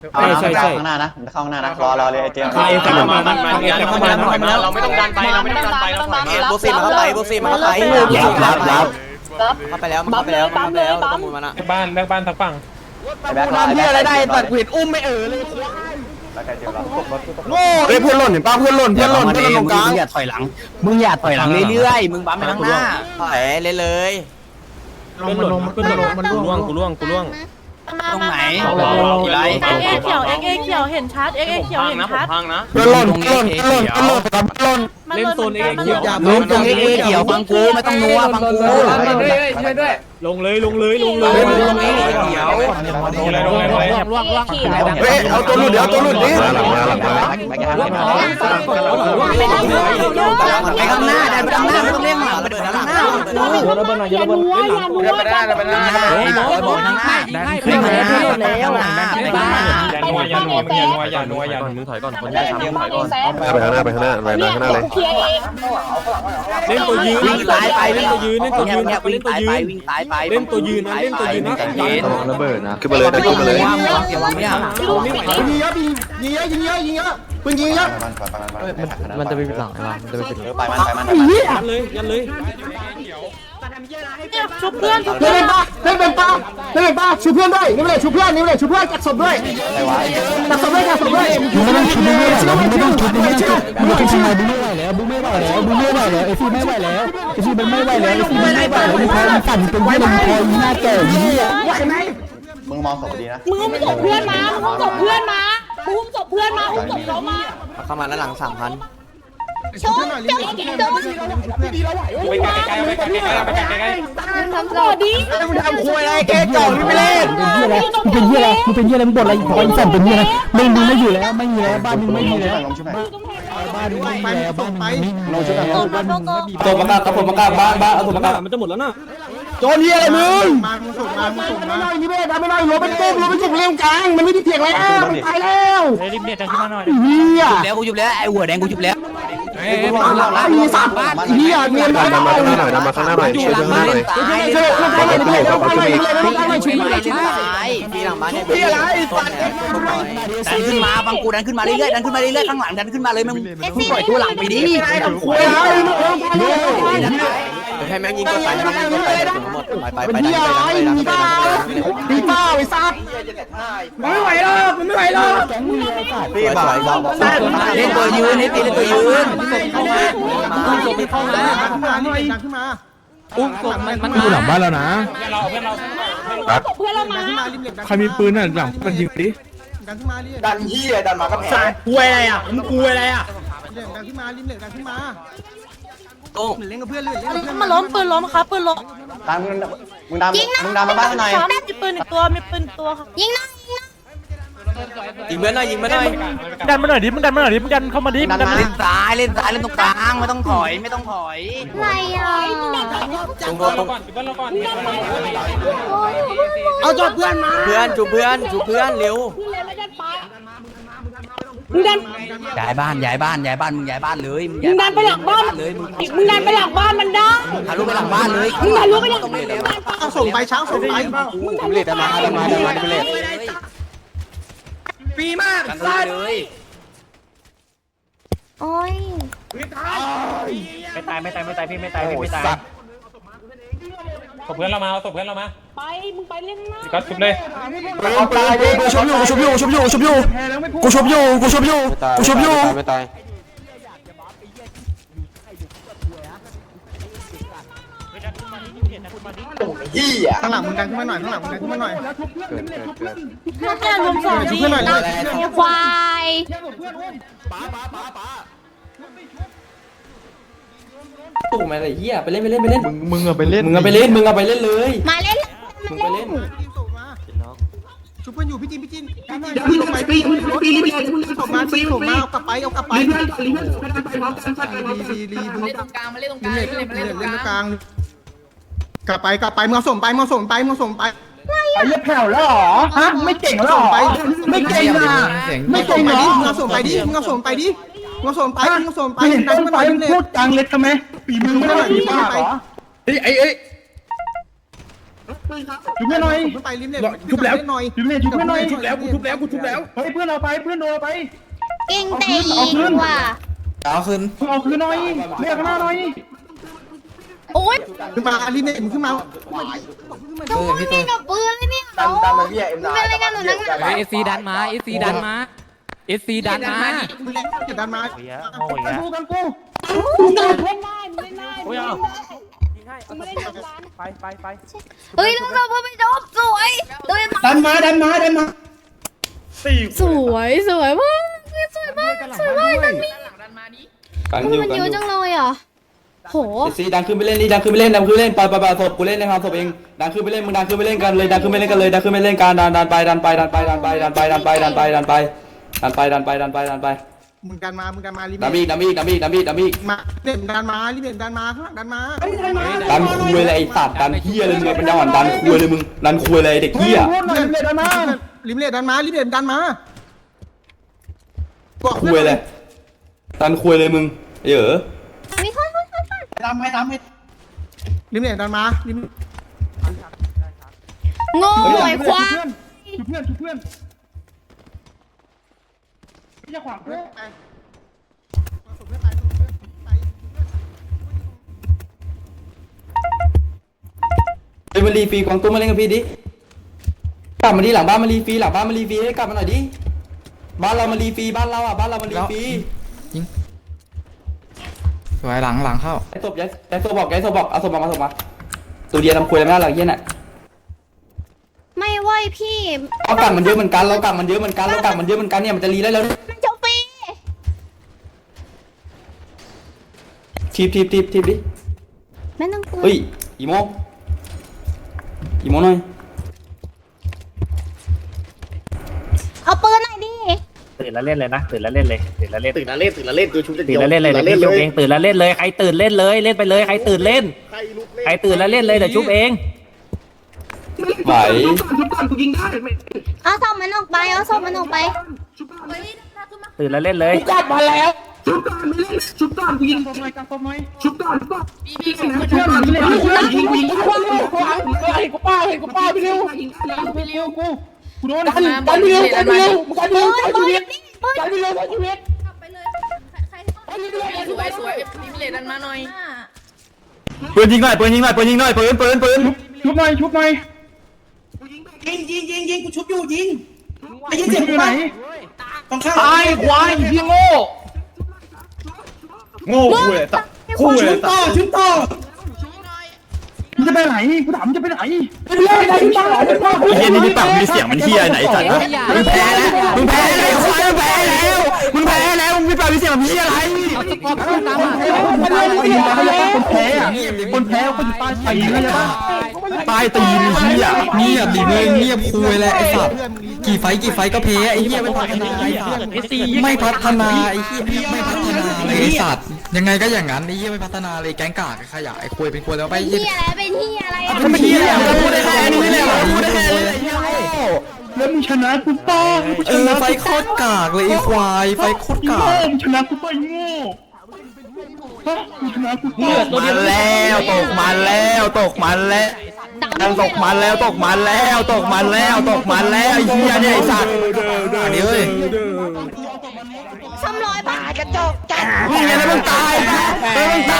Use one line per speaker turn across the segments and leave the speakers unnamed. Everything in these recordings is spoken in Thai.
ใช่ข้างหน้านะเข้าข้างหน้านะรอเลยไอเจมส์
เข้ามาเราไม่ต้องดันไปเราไม่ต้องดันไปเราถอยมา
โบซี่มาเข้าไปโบซี่มาเข้าไปเข้าไปแล้วเข้าไปแล้วเข้าไปแล้วต้องมูลมันอะ
บ้านทั้งฝั่ง
แบ็ค
ทำที่อะไรได้ตัดเวทอุ้มไม่เลย
แล้วไอเจมส์
โง่เฮ้ยเพื่อนหล่นเห็นป่ะเพื่อนหล่นตรงกลาง
มึงอย่าถอยหลังเรื่อยๆมึงบั๊มไปข้างหน้าถอยเลย
มันล่วงกูล่วง
ตรงไหน
เอ็กเขียวเอ็กเขียวเห็นชัดเอ็กเขียวเห็นชัด
พังนะ
เพื่อนหล่น
มันเล่นโซนเอ็กเขียว
ล้มตรงเขียวฟังกูไม่ต้องนัวฟังกู
ลงเลย
ตรงเขียว
เฮ้ยเอาตัวหลุดเดี๋ยวตัวหลุดดิ
ไปข้างหน้าเดินไปข้างหน้าไม่ต้องเล่นหลังไปเดินข้างหน้าอย่านัวบอกทางหน้าขึ้นมาแล้ว
มึงถอยก่อนคนที่ทำถอยก่อน
ไปข้างหน้าเลย
เล่นตัวยืน
วิ่งตายไป
เล่นตัวยืน
วิ่งตายไปวิ่งตายไป
เล่นตัวยืนนะ
ระเบิดนะขึ้นมาเลยขึ้นมาเลย
เดี๋ยววางไม่ได้
ยิงเยอะปืนยิงเยอะ
มันจะไปหลังไปมัน
ยันเลย
ชุบเพื่อนชุบ
เล่
เพื่อน
นป้าชูเพื่อนด้วยนี่เลยชูเพื่อนจัดศพด้วยจัดศพด้วยไม่ต้องชุบแล้วไม่ต้องชุบไม่ต้องชุบไม่ไหวแล้วบูไม่ไหวแล้วเอฟซีไม่ไหวแล้วมันไม่ไหวแล้วมันพอมันสั่นเป็นที่มันพอหน้าแก่ยี่ว่าไง
มึงมองศพดีนะ
มึงอุ้มศพเพื่อนมาอุ้มศพเพื่อนมาอุ้มศพเพื่อนมาอุ้มศพเขามา
เข้ามาแล้วหลัง3,000
ชนเจ้ากินโดน
ไปไกล
ทำต่อดี
มึงทำคุยอะไรแกจ่อไม่เล่นเป็นเหี้ยอะไรมึงบ่นอะไรพอสั่นเป็นเหี้ยอะไรมึงไม่อยู่แล้วไม่มีแล้วบ้านมึงไม่มีแล้ว
ลงชุบไหน
บ้านมึงไม่มีแล้วบ้านมึงไม่ลงชุดกัน
โกโกโกโก
ตัวประกาศบ้านเอาตัวประกาศมันจะหมดแล้วนะ
โจรเหี้ยอะไรมึงมานี่ไม่ได้ไม่ได้รถเป็นตุ้มเร็วกลางมันไม่ได้เถียงแล้วมันตายแล้วรีบเด็ดจังขึ้นมาหน่อยเหี้ย
แล้วกูจุบแล้วไอ้หัวแดงกูจุบแล้ว
มีสัตว์เหี้ยเนียน
ดันมาข้างหน้าหน่อยมาข้างหน้าหน่อยช่วยข้างหน้าหน่อย
พี่หลังบ้านเนี่ยดันขึ้นมาฟังกูดันขึ้นมาเรื่อยๆข้างหลังดันขึ้นมาเลยมึงปล่อยตัวหลังไปดิให้แม่งยิงตัวตายหมดไป
เป็นเหี้ยอะไรมีบ้าตีเป้าไอ้สัตว์ไม่ไหวหรอกแก๊งมึงไอ้สัตว์
พี่บ่อยเล่นตัวยืนให้ตีเล่นตัวยืนเข้ามา
มันอยู่หลังบ้านแล้วนะ
ครับ
เพื่อนเรามา
ใครมีปืนน่ะหลังมันยิงดิ
ดันเหี้ยดันมาก็แพ้
กลัวอะไรอ่ะมึงกลัวอะไรอ่ะ
มาล้มปืนล้มครับปืนล้ม
ดันมึงดันมาบ้านหน่อย
มีปืนอีกตัวมีปืนอีกตัวครับยิงนะ
ยิงเพื่อนหน่อย
ดันมาหน่อยดิมึงดันเข้ามาดิ
เล่นซ้ายเล่นตรงกลางไม่ต้องถอย
อะไรอ่ะ
ตรง
ก่อนบ้านเราก่อน
เอาจอดเพื่อนมา
เพื่อนจูเพื่อนเร็ว
มึงดัน
ย้ายบ้านมึงย้ายบ้านเลย
มึงดันไปหลังบ้านมึงดันไปหลังบ้านมันได้
ทะลุไปหลังบ้านเลย
มึงทะลุไปหลังบ้าน
ส่งไปช้างส่งไป
เล่นมาเล่น
ปีมาก
เลย
โอ้ย
ไม่ตายพี่ไม่ตายศพเพื่อนเรามา
ไปมึงไปเล่นหน้า
ก็ชุบเลย
กูชบอยู่
ไม่ตาย
ข้างหลังมึงดันขึ้นมาหน่อย
พวกแกรวมสองดีนะควาย
ตู้มาเลยเหี้ยไปเล่น
มึงอะไปเล่น
เลย
มาเล่น
ชุบเพื่อนอยู่พี่จินพี่ลงไปปีส่งมากลับไปเอากลับไปรีตรงกลางมาเล่นตรงกลางเล่นตรงกลางกลับไปมึงส่งไปไอ้เลือดแผ่วแล้วหรอฮะไม่เก่งแล้วหรอไม่เก่งอ่ะไม่เก่งเหรอมึงส่งไปดิมึงส่งไปเห็นต้นไฟมึงพูดกลางเล็กทำไมปีมือไม่ได้หรอไอ้ชุบเพื่อนหน่อย
ไปริมเนี่ย
ชุบแล้ว
หน่อย
ชุบเพื่อนชุบเพื่อนหน่อย
ชุบแล้วกูชุบแล้วกูชุบแล้ว
เฮ้ยเพื่อนเราไปเพื่อนโดนเราไป
เก่งแต่ยิงว่ะ
เอาคืนหน่อยเรียกหน้าหน่อย
โอ๊ย
ขึ้นมาริมเนี่ยขึ้นมา
ทำไมไม่กับปืนเลยเนี่ยโอ้ยเป็นอะไรกันหนูนักหนา
เอซีดันมาเอซีดันมาเอซีดันมา
ดันมา
กันกูกันกู
เล่นได้เล่นได้
โอ้ยเอา
ไม่ได้ทำร้าน
ไป
เฮ้ยเราเพื่อนไปจบสวยเลย
ดันมา
สวยสวยมากสวยมากสวยมากมันมีมันเยอะจังเลยอ่ะโห
ซีดันขึ้นไปเล่นดันขึ้นไปเล่นปล่อยศพกูเล่นในความศพเองดันขึ้นไปเล่นมึงดันขึ้นไปเล่นกันเลยดันขึ้นไปเล่นกันเลยดันขึ้นไปเล่นกันดันไปมึงกันมาริมดันอีก
มาเด่นดันมาริมเด่นดันมาข้างหลังดันมา
ดันคุยเลยไอ้สัตว์ดันเฮียเลยมึงเป็นจังหวะดันคุยเลยมึงดันคุยเลยเด็กเฮีย
ริมเด่นดันมาริมเด่นดันมา
คุยเลยดันคุยเลยมึงเยอะ
มีคน
ตามให้ริมเด่นดันมาริม
โง่ไอ้ควาย
ชุบเพื่อนไม่จะขวางเพื่อน ไปมารีฟรีกวางตุ้มมาเล่นกับพี่ดิกลับมาดิหลังบ้านมารีฟรีให้กลับมาหน่อยดิบ้านเรามารีฟรีบ้านเรามารีฟรีสวยหลังเข้าไอ้ศพบอกเอาศพมาตัวเดียวทำคุยแล้วไม่ได้หลังเย็นอ่ะ
ไม่ไหวพี่
เรากลับมันเยอะเหมือนกันเนี่ยมันจะรีได้แล้ว
มันจะฟรี
ทีบดิ
ไม่ต้องกลัว
เฮ้ยอีโมหน่อย
เอาปืนหน่อยดิ
ตื่นแล้วเล่นเลยนะตื่นแล้วเล่นเลยตื่นแล้วเล่นกูชุบ
ตื่นแล้วเล่นเลยเดี๋ยวชุบเองตื่นแล้วเล่นเลยใครตื่นเล่นเลยเล่นไปเลยใครตื่นเล่นใครตื่นแล้วเล่นเลยเดี๋ยวชุบเอง
ไหว
เอาศพมันออกไป
ตื่นแล้วเล่นเลย
กลับมาแล้วชุบก่อนกูยิงตัวหน่อยชุบก่อนเพื่อนมันเลยยิงกูป้าไปเร็วกูโดนดันไปเร็วกันไปเร็วชีวิตปืนยิงหน่อยปืนชุบหน่อยยิงกูชุบอยู่ยิงไม่ยิงเจ็บไหนต้องข้างตายควายพี่โง่กูเลยตัดชุบต่อมึงจะไปไหนกูถามมึงจะไปไหนไปเล่นไหนต่อไอ้เหี้ยนี่มีปากมีเสียงมันเหี้ยไหนสัตว์มึงแพ้แล้วมึงแพ้แล้วมึงมีปากมีเสียงมันเหี้ยอะไรคนแพ้คนตายตีนเลยป่ะตายตีนเหี้ยเงียบดิมึงเงียบคุยแล้วไอ้สัตว์กี่ไฟก็แพ้ไอ้เหี้ยไม่พัฒนาไอ้สัตว์ไม่พัฒนาไอ้เหี้ยไม่พัฒนาไอ้สัตว์ยังไงก็อย่างนั้นไอ้เหี้ยไม่พัฒนาเลยแก๊งกากขยะไอ้คุยเป็นคุยแล้วไป
เป็นที่อะไรอ่ะ
เป็นเหี้ยพูดได้แค่นี้แหละพูดได้แค่นี้แล้วมึงชนะกูป้าไฟโคตรกากเลยไอ้ควายไฟโคตรกากมึงชนะกูป้าโง่ตกมันแล้วไอ้เหี้ยเนี่ยไอ้สัตว์อันนี้เว้ย
300 บาทกระจกจัด
มึงอะไรมึงตายไปเพื่อน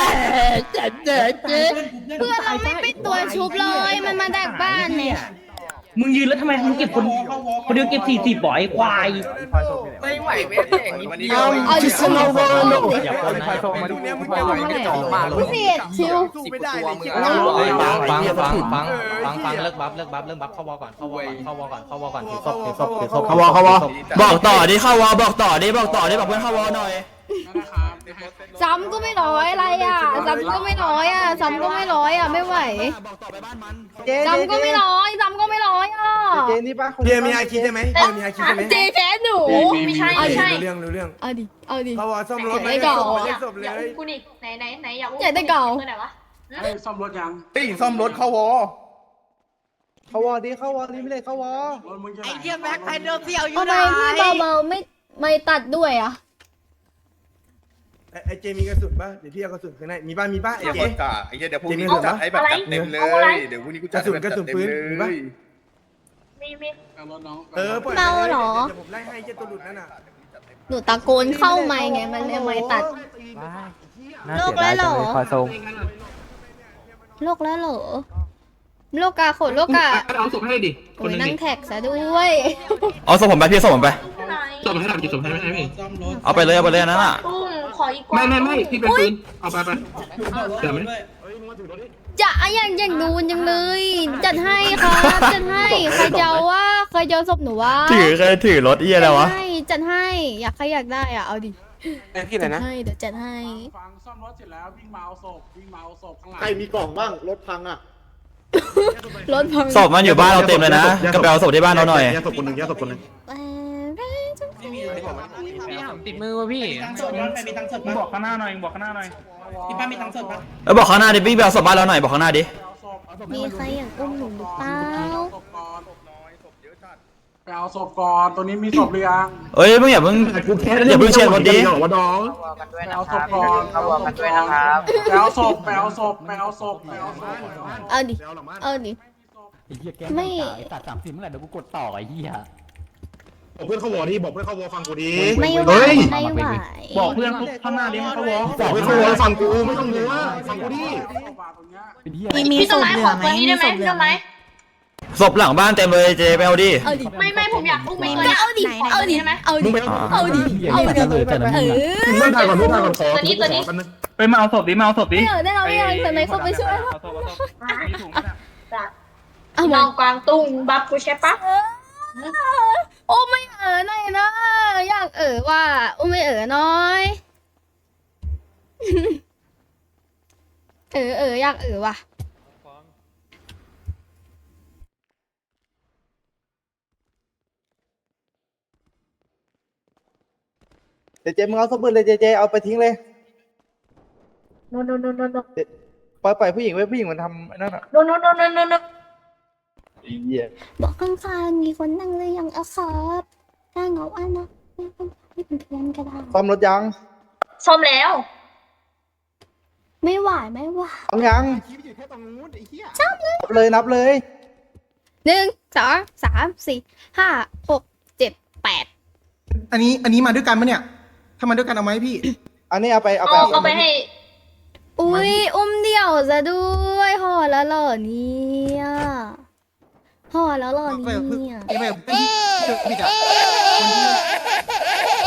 เราไม่เป็นตัวชุบเลยมันมาดักบ้านเนี่ย
มึงยืนแล้วทำไมมึงเก็บคนเดียวเก็บ40บ่อยควาย
ไม่ไหวไม่ได้อย่างนี้มันเดียว
เอาดิฉันเอาเลย
อย่าคนไฟส่งมาดูเนี่ยมึงไม่ไหวไม่จ่อมา
พิเศษชิว
ไม่ได้เลย
ฟังเลิกบัฟเข้าวอก่อนถือศพเข้าวอบอกต่อดิเข้าวอบอกต่อดิบอกเพื่อนเข้าวอหน่อย
ซ้ำก็ไม่ร้อยอะไรอ่ะซ้ำก็ไม่ร้อยอ่ะไม่ไหวซ้ำก็ไม่ร้อยอ่ะ
เจนี่ป่ะเพียมีไอคิดใช่ไหมมีไอคิดใช่ไหม
เจแพ้หนูไม่ใช่
รู้เรื่อง
เอาดิ
เขาว่าซ่อมรถไม่ศพเลย
กูนี่ไหนอยากได้เก่า
ซ่อมรถยังตีซ่อมรถเขาวอดิไม่เลยเขาวอ
ไอ้เหี้ยแม็กไอ้เดิมเสี่ยวอยู่
ทำไมพี่เบาๆไม่ตัดด้วยอ่ะ
ไอ้เจมีกระสุนป่ะเดี๋ยวพี่เอากระสุนข้างในมีป่ะมีป่ะไอ้เจ
ไอ้เหี้ยเดี๋ยวพรุ่งนี้กูจัดให้แบบจัดเต็มเลยเดี๋ยวพรุ่งนี้กูจัดให้แบบจัดเต็มเลย
ปล่อย
เมาเหรอ
เดี๋ยวผมไล่ให้เจตัวหลุดนั่นน่ะ
หนูตะโกนเข้าไมค์ไงมันเลยไม่ตัดโลกแล้วเหรอโลกแล้วเหรอโลกาขนโลกาเอาศพให้ดิคนนั่งแท็กซะด้วย
เอาส่งผมไปพี่ส่งผมไป
ส่งให้ทำกี่ส่งให้ไม่พี่
เอาไปเลยเอาไปเลยนั่นน่ะ
ไม่พี่เป็นปืนเอาไปเดี๋ยวไม่
จะอย่างนูนยังเลย จัดให้ครับจัดให้ใครจะเอาว่าใครจะเอาศพหนูว่า
ถือรถเอี้ยอะไรวะ
จัดให้อยากใครอยากได้อ่ะเอาดิ
พี่ไหนนะ
ให้เดี๋ยวจัดให้
ฟังซ่อมรถเสร็จแล้ววิ่งมาเอาศพข้างหลัง
ใครมีกล่องบ้างรถพังอ่ะ
รถพัง
ศพมันอยู่บ้านเราเต็มเลยนะก็ไปเอาศพที่บ้านเราหน่อย
แยกศพคนหนึ่งแยกศพคนหนึ่ง
ติดมือวะพี่บอกข้างหน้าหน่อยพี่ป้ามีตังค์สดปะ
แล้วบอกข้างหน้าดิพี่ไปเอาศพบ้านเราหน่อยบอกข้างหน้าดิ
มีใครอยากอุ้มหนูหรือเปล่า
ไปเอาศพก่อนตัวนี้มีศพหรือยัง
เอ้ยมึงอย่าเพิ่งเชียร์รถดิ
ไปเอาศพก่อนไปเอาศพ
เอาดิไม่
ตัด30เมื่อไหร่เดี๋ยวกูกดต่อไอ้เหี้ย
บอกเพื่อนเขาวอที่บอกเพื่อนเขาวอฟังกูดี
ไม่ไหวไม่ไหว
บอกเพื่อนข้างหน้าดิเขาวอ
บอกเพื่อนเขาวอฟังกูไม่ต้องรู้ว่าฟังกูดิ
มีศพเหลือไหมมีศพเหลือไหม
ศพหลังบ้านเต็มเลยเจไปเอาดิ
เอาดิ
ไม่ผมอยากอุ้ม
ก็เอาดิเอาดิเอาดิเอาดิ
มึงถ่ายก่อนมึงถ่ายก่อนขอ
ไปมาเอาศพดิมาเอาศพดิ
ไม่เอาได้เราไม่เอาแต่ไหนเข้าไปช่วย เอา
ม
มา
องกวางตุ้งบัฟกูใช่ปะ
โอ้ไม่หน่อยนะอยากว่าโอ้ไม่น้อยอยากว่ะ
เจมึงเอาสมุดเลยเจเอาไปทิ้งเลย
โน
ปล่อยผู้หญิงไว้ผู้หญิงมันทำนั่นอ่ะ
โน
บอกข้างๆมีคนนั่งเลยยังเอาครับถ้าเหงาอ่ะนะไม่เป็นเพื่อนก็ได้
ซ่อมรถยัง
ซ่อมแล้ว
ไม่ไหว
ซ่อมยังนับเลย
1 2 3 4 5 6 7 8
อันนี้มาด้วยกันปะเนี่ยถ้ามาด้วยกันเอาไหมพี่
อันนี้เอาไป
เอาไปให้
อุ้ยอุ้มเดี่ยวซะด้วยห่อแล้วเหรอเนี่ยห่อแล้วเหรอเนี่ย
ไม่พี่จะ